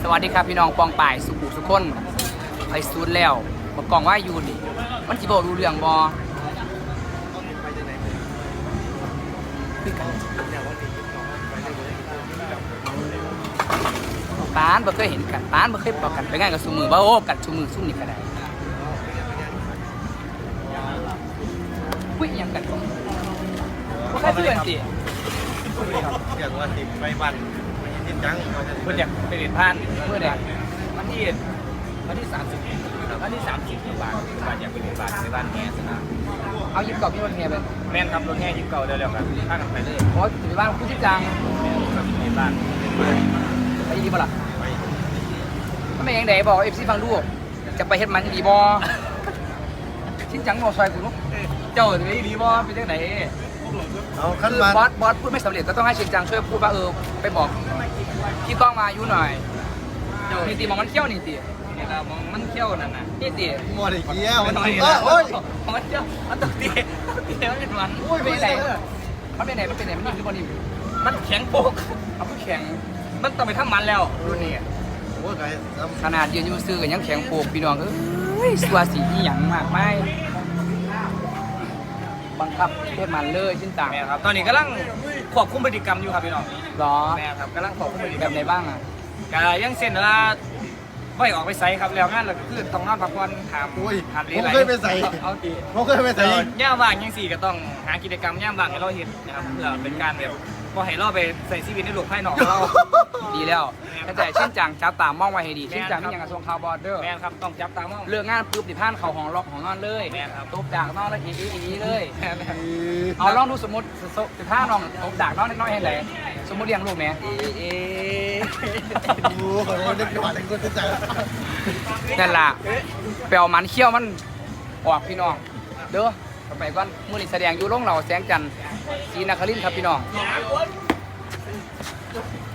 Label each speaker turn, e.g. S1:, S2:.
S1: สวัสดีครับพี่น้องปองป่ายสุขุสุขคนไปซูนแล้วบอกกล่องว่าอยู่นี่มันจีบรู้เรื่องบอปานบ่เคยเห็นกันปานบ่เคยบอกกันไปง่ายกับซูมือว่าโอ้กันซูมือซุ่มนี่ก็ได้คุยยังกันบ่แค่เพื่อนสิ
S2: อย่างว่าสิไปบ้านนิดจัง
S1: เพื่อนอยากไปเรียนพานเพื่อนเนี่ยวันที่30วันที่30บาทอยากไปเรียนในบ้านแง่สนะเอายิบเก่าพี่รถแง่ไป
S3: แม่นครับรถแห่ยิบเก่าเร็วๆกันพากันไปเลย
S1: เพราะอยู่บ้านคุณชิจัง
S3: ในบ้าน
S1: ไปดีบ่ล่ะไม่ยังไหนบอกFCฟังดูจะไปเฮ็ดมันดีบ่ชิจังบ่ซอยกูลูกเจ้าจะไปดีบ่เป็นจังได๋
S2: เอาขั้นมา
S1: บอสพูดไม่สำเร็จก็ต้องให้ชิจังช่วยพูดว่าไปบอกพี่ก้องมาอยู่หน่อยนี่ตีมองมันเขี้ยวนี่ตี
S3: นี่ครับมันเที่ยวนั่นน่ะ
S1: นี่ตี
S2: หมดอีกแล้วมัน
S1: โอ้ยมันเขี้ยวมันตกตีมันเป็นมันโอ้ยเป็นไหนมันเป็นไหนมันนิ่มหรือบ่นิ่ม
S3: มันแข็งโปก
S1: เอาผู้แข็ง
S3: มันต้องไปทำมันแล้วรุ่นนี้
S2: โอ้ยไง
S1: ขนาดยืนอยู่ซื้อกันยังแข็งโปกพี่น้องสัวสีหยังมากไม่บังคับเทศมันเลยชิ้นต่าง
S3: แม่ครับตอนนี้กำลังควบคุมพฤติกรรมอยู่ครับพี่น้อง
S1: หรอ
S3: แม่ครับกำลังควบคุมพฤติกร
S1: แบ
S3: รม
S1: บไหนบ้างอ่ะ
S3: ก็ยังเส้นเวลาไม่ออกไปใส่ครับแล้วงานเราคือต้องนอนพักผ่อนถาม
S2: ผมเคยไปใส่ผมเคยไปใส่
S3: ย่ามว่างยังสี่ก็ต้องหากิจกรรมย่ามว่างให้เราเห็นนะครับเพื่อเป็นการแบบพอให้เราไปใส่ชีวิตในโลกภายนอกเรา
S1: ดีแล้วเข้าใจชิ้นจังจับตามองไว้ให้ดีชิ้นจังนี่ยังกระทรวงข่าวบอร์เดอร์
S3: แม่ครับต้องจับตามอง
S1: เรื่องงานปุ๊บติดท่านเขาของล็อกของนอนเลย
S3: แม่ครับ
S1: ตบดากนอนแล้วอีเลยเอาลองดูสมมติติดท่านอนตบดากนอนน้อยให้เลยสมมติเลี้ยงลูกเนี่ย
S2: โอ้โหเด็กหวานเด็กคนจะจัง
S1: นั่นล่ะแปลวมันเขี้ยวมันออกพี่น้องเด้อต่อไปก่อนมือนี่แสดงอยู่โรงเราแสงจันทร์ศรีนครินทร์ครับพี่น้อง